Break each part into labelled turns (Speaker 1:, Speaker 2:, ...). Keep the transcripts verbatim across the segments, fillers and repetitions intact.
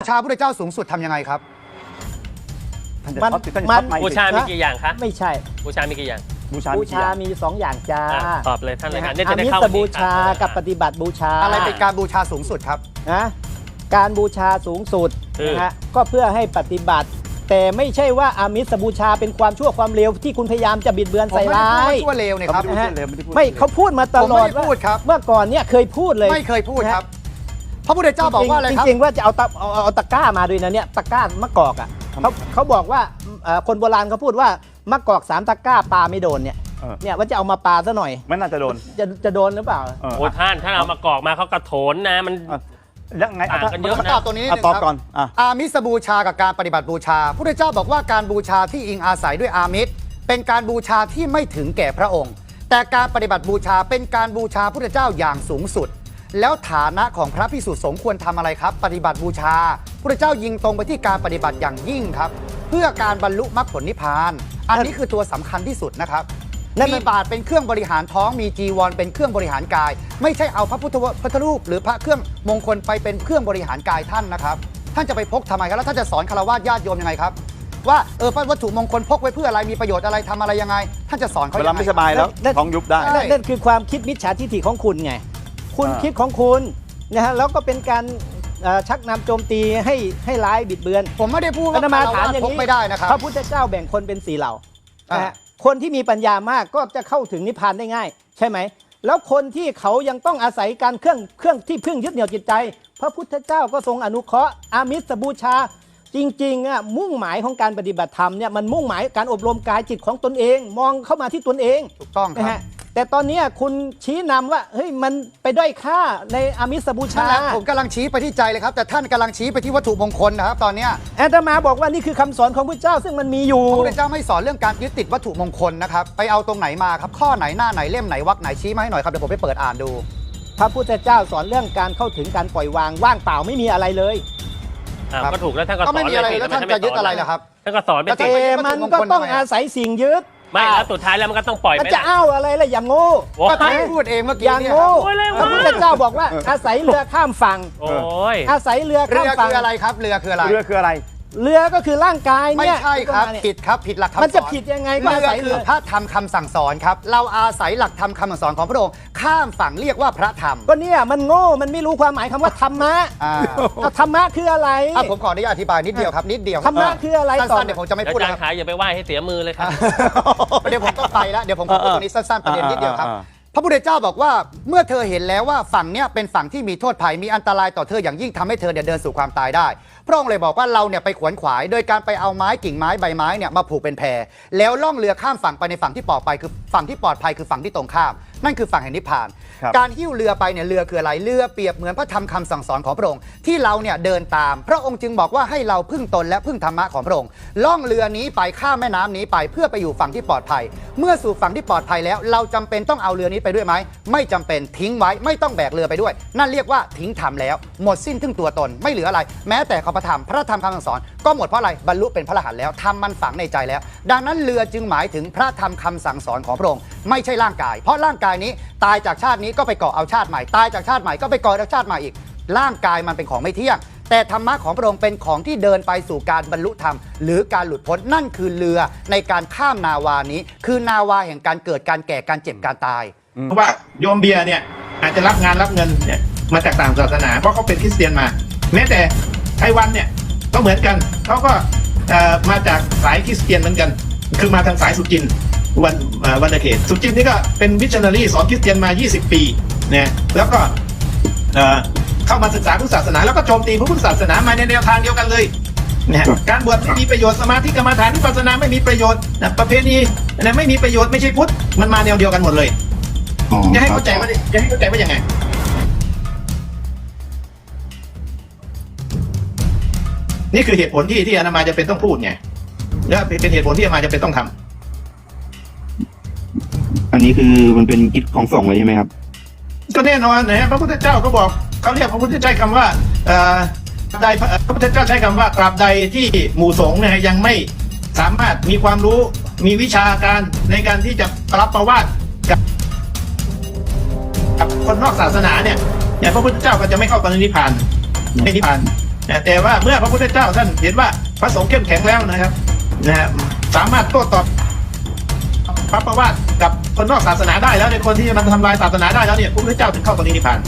Speaker 1: ชาพระเจ้าสูงสุดทำยังไงครับ
Speaker 2: มันมัน
Speaker 3: บูชามีกี่อย่างคะ
Speaker 2: ไม่ใช่
Speaker 3: บูชามีกี่อย่าง
Speaker 2: บูชาบูชามีสองอย่างจ้า
Speaker 3: ตอบเลยท่านเลยครับ
Speaker 2: อามิสบูชากับปฏิบัติบูชา
Speaker 1: อะไรเป็นการบูชาสูงสุดครับ
Speaker 2: นะการบูชาสูงสุดนะฮะก็เพื่อให้ปฏิบัติแต่ไม่ใช่ว่าอามิสบูชาเป็นความชั่วความเลวที่คุณพยายามจะบิดเบือนใส่ร้าย
Speaker 1: ชั่วเลวเนี่ยครับ
Speaker 2: ไม่เขาพูดมาตลอดว่าเมื่อก่อนเนี่ยเคยพูดเลย
Speaker 1: ไม่เคยพูดครับพระพุทธเจ้าบอกว่าอะไรครับ
Speaker 2: จริงๆว่าจะเอาตะเอาตะกร้ามาด้วยนะเนี่ยตะกร้ามะกอกอ่ะเขาเขาบอกว่าคนโบราณเขาพูดว่ามะกอกสามตะกร้าปลาไม่โดนเนี่ยเนี่ยว่าจะเอามาปลาซะหน่อย
Speaker 4: ไม่น่าจะโดน
Speaker 2: จะจะโดนหรือเปล่า
Speaker 3: โอ้ท่านท่านเอามากอกมาเขากระโถนนะมัน
Speaker 4: ยังไง
Speaker 3: กันเยอะ
Speaker 1: นะตัวนี้
Speaker 4: ตอบก่อน
Speaker 1: อามิสบูชากับการปฏิบัติบูชาพระพุทธเจ้าบอกว่าการบูชาที่อิงอาศัยด้วยอามิสเป็นการบูชาที่ไม่ถึงแก่พระองค์แต่การปฏิบัติบูชาเป็นการบูชาพระพุทธเจ้าอย่างสูงสุดแล้วฐานะของพระภิกษุสงฆ์ควรทำอะไรครับปฏิบัติบูชาพระเจ้ายิงตรงไปที่การปฏิบัติอย่างยิ่งครับเพื่อการบรรลุมรรคผลนิพพานอันนี้คือตัวสำคัญที่สุดนะครับมีบาทเป็นเครื่องบริหารท้องมีจีวรเป็นเครื่องบริหารกายไม่ใช่เอาพระพุทธพุทธรูปหรือพระเครื่องมงคลไปเป็นเครื่องบริหารกายท่านนะครับท่านจะไปพกทำไมครับแล้วท่านจะสอนฆราวาสญาติโยมยังไงครับว่าเออวัตถุมงคลพกไว้เพื่ออะไรมีประโยชน์อะไรทำอะไรยังไงท่านจะสอนเขา
Speaker 4: เวลาไม่สบายแล้วท้องยุบได้
Speaker 2: นั่นคือความคิดมิจฉาทิฏฐิของคุณไงคุณคิดของคุณนะฮะแล้วก็เป็นการชักนำโจมตีให้ให้ร้ายบิดเบือน
Speaker 1: ผมไม่ได้พูดว่า
Speaker 2: มาถามอย่างนี้
Speaker 1: ไม่ได้นะครับ
Speaker 2: พระพุทธเจ้าแบ่งคนเป็นสี่เหล่านะฮะคนที่มีปัญญามากก็จะเข้าถึงนิพพานได้ง่ายใช่ไหมแล้วคนที่เขายังต้องอาศัยการเครื่องเครื่องที่พึ่งยึดเหนี่ยวจิตใจพระพุทธเจ้าก็ทรงอนุเคราะห์อามิสบูชาจริงๆอ่ะมุ่งหมายของการปฏิบัติธรรมเนี่ยมันมุ่งหมายการอบรมกายจิตของตนเองมองเข้ามาที่ตนเอง
Speaker 1: ถูกต้องครับ
Speaker 2: แต่ตอนนี้คุณชี้นำว่าเฮ้ยมันไปด้อยค่าในอามิสบูชา
Speaker 1: ผมกำลังชี้ไปที่ใจเลยครับแต่ท่านกำลังชี้ไปที่วัตถุมงคลนะครับตอนนี้
Speaker 2: อาตมาบอกว่านี่คือคำสอนของพระเจ้าซึ่งมันมีอยู่
Speaker 1: พระพุทธเจ้าไม่สอนเรื่องการยึดติดวัตถุมงคลนะครับไปเอาตรงไหนมาครับข้อไหนหน้าไหนเล่มไหนวรรคไหนชี้มาให้หน่อยครับเดี๋ยวผมไปเปิดอ่านดู
Speaker 2: พระพุทธเจ้าสอนเรื่องการเข้าถึงการปล่อยวางว่างเปล่าไม่มีอะไรเลย
Speaker 3: ก็ถูกแล้วท่านก็สอน
Speaker 1: ไม่มีอะไรแล้วท่านจะยึดอะไรล่ะครับ
Speaker 3: ท่านก็สอนไป
Speaker 2: แต่มันก็ต้องอาศัยสิ่งยึด
Speaker 3: ไม่แล้วสุดท้ายแล้วมันก็ต้องปล่อยไป
Speaker 2: จะเอาอะไรล่ะอย่างโง่
Speaker 1: ก็ท่านพูดเองเมื่อกี้
Speaker 2: อย่างโง่พระพุทธเจ้าบอกว่าอาศัยเรือข้ามฝั่งอาศัยเรือข้ามฝั่ง
Speaker 1: คืออะไรครับเรือคืออะไร
Speaker 4: เรือคืออะไร
Speaker 2: เรือก็คือร่างกายเนี่ย
Speaker 1: ไม่ใช่ครับผิดครับผิดหลักคำสอน
Speaker 2: มันจะผิดยังไง
Speaker 1: เรือคือพระธรรมคำสั่งสอนครับเราอาศัยหลักธรรมคำสั่งสอนของพระองค์ข้ามฝั่งเรียกว่าพระธรรม
Speaker 2: ก็เนี่ยมันโง่มันไม่รู้ความหมายคำว่าธรรมะธรรมะคืออะไร
Speaker 1: ผมขออนุญาตอธิบายนิดเดียวครับนิดเดียว
Speaker 2: ธรรมะคืออะไร
Speaker 1: สั้นๆเดี๋ยวผมจะไม่พูด
Speaker 3: แล้วขายอย่าไปไหว้ให้เสียมือเลยครับ
Speaker 1: เดี๋ยวผมต้องไปแล้วเดี๋ยวผมขอพูดตรงนี้สั้นๆประเด็นนิดเดียวครับพระพุทธเจ้าบอกว่าเมื่อเธอเห็นแล้วว่าฝั่งเนี้ยเป็นฝั่งที่มีโทษภัยมีอันตรายต่อเธออย่างยิ่งทำให้เธอเดินสู่ความตายได้พระองค์เลยบอกว่าเราเนี่ยไปขวนขวายโดยการไปเอาไม้กิ่งไม้ใบไม้เนี่ยมาผูกเป็นแพแล้วล่องเรือข้ามฝั่งไปในฝั่งที่ปลอดภัยคือฝั่งที่ปลอดภัยคือฝั่งที่ตรงข้ามนั่นคือฝั่งแห่งนิพพานการหิ้วเรือไปเนี่ยเรือคืออะไรเรือเปรียบเหมือนพระธรรมคำสั่งสอนของพระองค์ที่เราเนี่ยเดินตามพระองค์จึงบอกว่าให้เราพึ่งตนและพึ่งธรรมะของพระองค์ล่องเรือนี้ไปข้ามแม่น้ำนี้ไปเพื่อไปอยู่ฝั่งที่ปลอดภัยเมื่อสู่ฝั่งที่ปลอดภัยแล้วเราจำเป็นต้องเอาเรือนี้ไปด้วยไหมไม่จำเป็นทิ้งไว้ไม่ต้องแบกเรือไปด้วยนั่นเรียกว่าทิ้งธรรมแล้วหมดสิ้นทึ่งตัวตนไม่เหลืออะไรแม้แต่ข้อพระธรรมพระธรรมคำสั่งสอนก็หมดเพราะอะไรบรรลุเป็นพระอรหันต์แล้วธรรมมันฝังในใจแล้วดังนั้นเรือจึงหมายถึงพระธรรมคำสั่งสอนของพระองค์ไม่ใช่ร่างกายเพราะร่างกายนี้ตายจากชาตินี้ก็ไปก่อเอาชาติใหม่ตายจากชาติใหม่ก็ไปก่อเอาชาติใหม่อีกร่างกายมันเป็นของไม่เที่ยงแต่ธรรมะของพระองค์เป็นของที่เดินไปสู่การบรรลุธรรมหรือการหลุดพ้นนั่นคือเรือในการข้ามนาวานี้คือนาวาแห่งการเกิดการแก่การเจ็บการตาย
Speaker 5: เพราะว่าโยมเบียร์เนี่ยอาจจะรับงานรับเงินเนี่ยมาจากต่างศาสนาเพราะเขาเป็นคริสเตียนมาแม้แต่ไต้หวันเนี่ยก็เหมือนกันเขาก็มาจากสายคริสเตียนเหมือนกันคือมาทางสายสุจินวันวันเขตสุจินนี่ก็เป็นมิชชันนารีสอนคริสเตียนมายี่สิบปีเนี่ยแล้วก็เข้ามาศึกษาพุทธศาสนาแล้วก็โจมตีพระพุทธศาสนามาในแนวทางเดียวกันเลยเนี่ยการบวชไม่มีประโยชน์สมาธิกรรมฐานวิปัสสนาไม่มีประโยชน์ประเพณีนะไม่มีประโยชน์ไม่ใช่พุทธมันมาแนวเดียวกันหมดเลยจะให้เข้าใจว่าจะให้เข้าใจว่ายังไงนี่คือเหตุผลที่ที่อาตมาจะเป็นต้องพูดไงและเป็นเหตุผลที่อาตมาจะเป็นต้องทำ
Speaker 6: อันนี้คือมันเป็นกิจของสงฆ์เลยใช่ไหมครับ
Speaker 5: ก็แน่นอนนะพระพุทธเจ้าก็บอกเขาเรียกพระพุทธเจ้าคำว่าใดพระพุทธเจ้าใช้คำว่าตราบใดที่หมู่สงฆ์เนี่ยยังไม่สามารถมีความรู้มีวิชาการในการที่จะรับประวาติกับกับคนนอกศาสนาเนี่ยเนี่ยพระพุทธเจ้าก็จะไม่เข้าไปในนิพพานในนิพพานแต่ว่าเมื่อพระพุทธเจ้าท่านเห็นว่าพระสงฆ์เข้มแข็งแล้วนะครับนะฮะสามารถโต้ตอบพระประวัติกับคนนอกศาสนาได้แล้วในคนที่มันทำลายศาสนาได้แล้วเนี่ยพระพุทธเจ้าถึงเข้าตรงนี้นิพพาน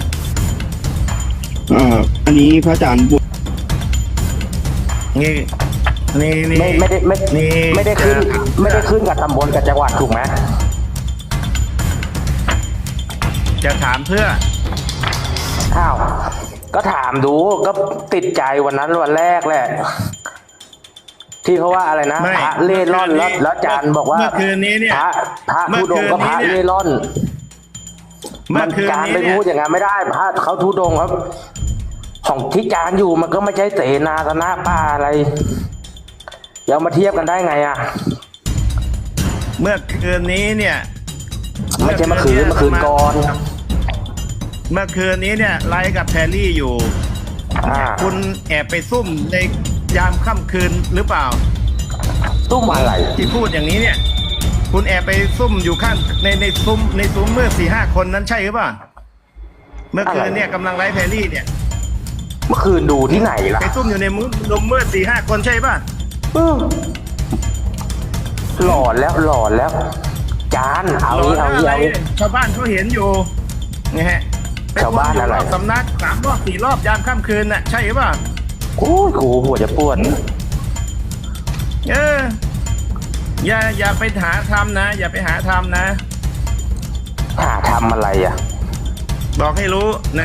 Speaker 6: เอ่ออันนี้พระอาจารย์บวช
Speaker 5: นี่นี่นี่
Speaker 7: ไม่ไม่ได้ไม่
Speaker 5: นี่
Speaker 7: ไม่ได้ขึ้นไม่ได้ขึ้นกับตำบลกับจังหวัดถูกไหม
Speaker 5: จะถามเพื่อ
Speaker 7: อ้าวก็ถามดูก็ติดใจวันนั้นวันแรกแหละที่เขาว่าอะไรนะ
Speaker 5: ไม่
Speaker 7: พระเล่ร่อนแล้วแล้วอาจารย์บอกว่า
Speaker 5: เมื่อคืนนี้เนี่ย
Speaker 7: พระพระ
Speaker 5: เมื่อ
Speaker 7: ธุดงค์ก็พระ
Speaker 5: คืนนี้เนี่ย
Speaker 7: เล่ร่อน
Speaker 5: เมื่อคืน
Speaker 7: จาร
Speaker 5: นี้
Speaker 7: ไป
Speaker 5: เนี่ย
Speaker 7: พูดอย่างนั้นไม่ได้พระเขาธุดงค์ครับ ของที่จานอยู่มันก็ไม่ใช่เสนาสนะป่าอะไรเดี๋ยวมาเทียบกันได้ไงอ่ะ
Speaker 5: เมื่อคืนนี้เนี่ย
Speaker 7: ไม่ใช่เมื่อคืนเมื่อคืนก่อน
Speaker 5: เมื่อคืนนี้เนี่ยไลฟ์กับแพรรี่อยู่
Speaker 7: อ่า
Speaker 5: คุณแอบไปซุ่มในยามค่ำคืนหรือเปล่า
Speaker 7: ตุ้มอะไร
Speaker 5: ที่พูดอย่างนี้เนี่ย คุณแอบไปซุ่มอยู่ข้างในในซุ้มในซุ้มเมื่อสี่ห้าคนนั้นใช่หรือเปล่า เมื่อคืนเนี่ยกำลังไลฟ์แพรรี่เนี่ย
Speaker 7: เมื่อคืนดูที่ไหนล่ะ
Speaker 5: ไปซุ่มอยู่ในมุ้งลมเมื่อสี่ห้าคนใช่ป่ะ
Speaker 7: อืมหลอนแล้วหลอนแล้ว จานเอา
Speaker 5: หลอ
Speaker 7: งี้
Speaker 5: น
Speaker 7: เอางี้
Speaker 5: อะไร
Speaker 7: เอางี้
Speaker 5: ชาวบ้านเขาเห็นอยู่นะฮะ
Speaker 7: ชาวบ้านอะไร
Speaker 5: ปวนยู่บสำนักสามรอบสี่รอบยามค่ำคืนน่ะใช่หรือเปล่า
Speaker 7: โอ้ยกูหัวจะปวด
Speaker 5: เอออย่าอย่าไปหาทำนะ อย่าไปหาทำนะ
Speaker 7: หาทำอะไรอ่ะ
Speaker 5: บอกให้รู้นะ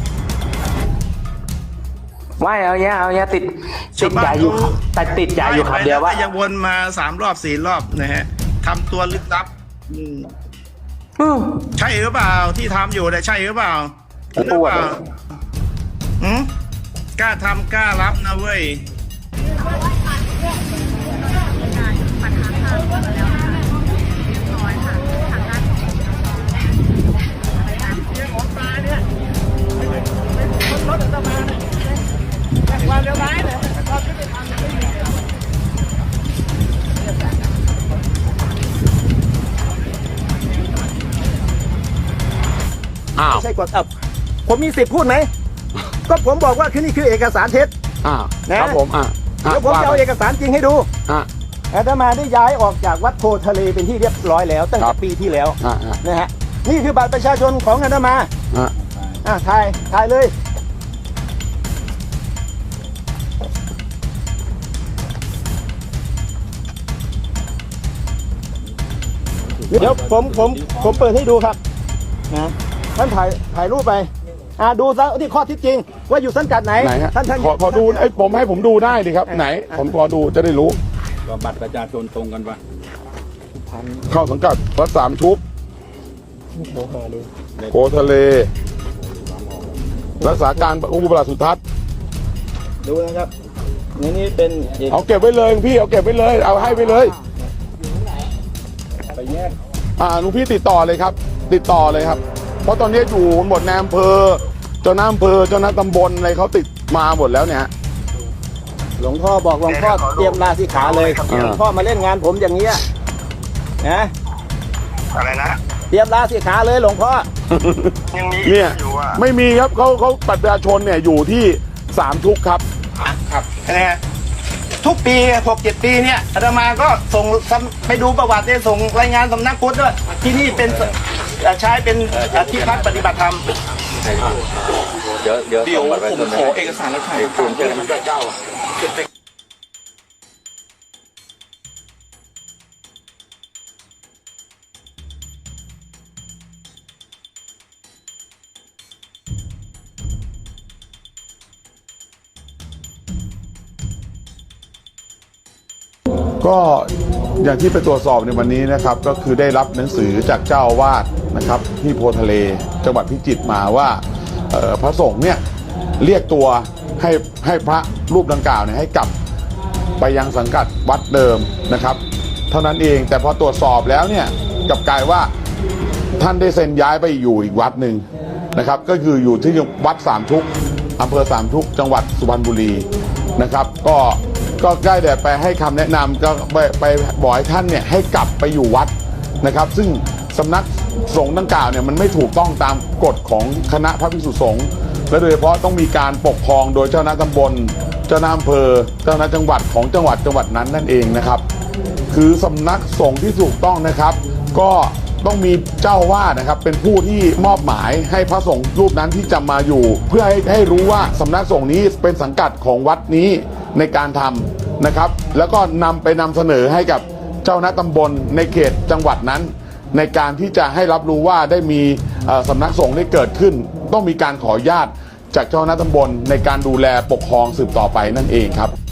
Speaker 7: ไม่เอาเนี้ยเอาเนี้ยติดติดใจอยู่
Speaker 5: ชาวบ้านเขา
Speaker 7: แต่ติดใจอยู่คำเดียวว่า
Speaker 5: ไล่ไปแล้ก็ยังวนมาสามรอบสี่รอบนะฮะทำตัวลึกลับอืม
Speaker 7: อืม
Speaker 5: ใช่หรือเปล่าที่ทำอยู่เนี่ยใช่หรือเปล่าหรือเปล่าหืมกล้าทำกล้ารับนะเว้ย
Speaker 2: ไม่ใช่กฎอับผมมีสิทธิ์พูดไหม ก็ผมบอกว่าคือนี่คือเอกสารเท็จ
Speaker 8: อ่า
Speaker 2: นะ
Speaker 8: ครับผมอ่า
Speaker 2: เดี๋ยวผมจะเอาเอกสารจริงให้ดู
Speaker 8: อ่า
Speaker 2: อาตมาได้ย้ายออกจากวัดโพทะเลเป็นที่เรียบร้อยแล้วตั้ง
Speaker 8: ครั
Speaker 2: แต่
Speaker 8: บ
Speaker 2: ปีที่แล้ว
Speaker 8: อ่าอ่า
Speaker 2: นะฮะนี่คือบัตรประชาชนของอาตมา
Speaker 8: อ่า
Speaker 2: อ่ะถ่ายถ่ายเลยเดี๋ยวผมผมผมเปิดให้ดูครับนะท่านถ่ายถ่ายรูปไปอ่าดูซะที่ข้อเที่จริง ว่าอยู่สังกัดไหน
Speaker 8: ไหนฮะ
Speaker 2: ท่านท่าน
Speaker 8: ขอขอดูไอ้ยผมให้ผมดูได้ดิครับ ไหน ผมพอดูจะได้รู้
Speaker 4: บัตรประชาชนตรงกันปะ
Speaker 8: เข้าสังกัดวัดสามชุบโพทะเล รักษาการองค์ประหลัดสุทัศน์
Speaker 2: ดูนะครับนี่นี่เป็นเอก
Speaker 8: เอาเก็บไว้เลยพี่เอาเก็บไว้เลย เอาให้ไปเลยอ่าลุงพี่ติดต่อเลยครับ ติดต่อเลยครับ เพราะตอนนี้อยู่หมดในอำเภอเจ้าหน้าอำเภอเจ้าหน้าตำบลอะไรเขาติดมาหมดแล้วเนี่ย
Speaker 2: หลวงพ่อบอกหลวงพ่อเตรียมลาสิกขาเลย
Speaker 8: อ่า
Speaker 2: หลวงพ่อมาเล่นงานผมอย่างเงี้ยนะ
Speaker 5: อะไรนะ
Speaker 2: เตรียมลาสิกขาเลยหลวงพ่อ
Speaker 5: ยังมี
Speaker 8: เนี่ย
Speaker 5: อยู่อ่ะ
Speaker 8: ไม่มีครับเขาเขาบัตรประชาชนเนี่ยอยู่ที่สามชุกครับ
Speaker 5: ครับนะฮะทุกปีหกเจ็ดปีเนี่ยอาตมาก็ส่งไปดูประวัติเนี่ยส่งรายงานสำนักพุทธด้วยที่นี่เป็นเอ่อใช้เป็นเอ่อที่พักปฏิบัติธรรม
Speaker 4: เดี๋ยวเดี๋ยวเดี๋ยวผมขอเอกสารแล้วถ่ายคุณเจอพระเจ้า
Speaker 8: ก็อย่างที่ไปตรวจสอบในวันนี้นะครับ ก็คือได้รับหนังสือจากเจ้าอาวาสนะครับที่โพทะเลจังหวัดพิจิตรมาว่าเอ่อพระสงฆ์เนี่ยเรียกตัวให้ให้พระรูปดังกล่าวเนี่ยให้กลับไปยังสังกัดวัดเดิมนะครับ เท่านั้นเองแต่พอตรวจสอบแล้วเนี่ยกลับกลายว่าท่านได้เซ็นย้ายไปอยู่อีกวัดหนึ่งนะครับ ก็คืออยู่ที่วัดสามชุกอำเภอสามชุกจังหวัดสุพรรณบุรีนะครับ ก็ก็ได้แต่ไปให้คำแนะนำก็ไปไปบอกให้ท่านเนี่ยให้กลับไปอยู่วัดนะครับ ซึ่งสำนักสงฆ์ดังกล่าวเนี่ยมันไม่ถูกต้องตามกฎของคณะพระภิกษุสงฆ์และโดยเฉพาะต้องมีการปกครองโดยเจ้าหน้าตำบลเจ้าหน้าอำเภอเจ้าหน้าจังหวัดของจังหวัดจังหวัดนั้นนั่นเองนะครับคือสำนักสงฆ์ที่ถูกต้องนะครับก็ต้องมีเจ้าวาดนะครับเป็นผู้ที่มอบหมายให้พระสงฆ์รูปนั้นที่จะมาอยู่ เพื่อให้ให้รู้ว่าสำนักสงฆ์นี้เป็นสังกัดของวัดนี้ในการทำนะครับแล้วก็นำไปนำเสนอให้กับเจ้าหน้าตำบลในเขตจังหวัดนั้นในการที่จะให้รับรู้ว่าได้มีสำนักสงฆ์ได้เกิดขึ้นต้องมีการขออนุญาตจากเจ้าหน้าตำบลในการดูแลปกครองสืบต่อไปนั่นเองครับ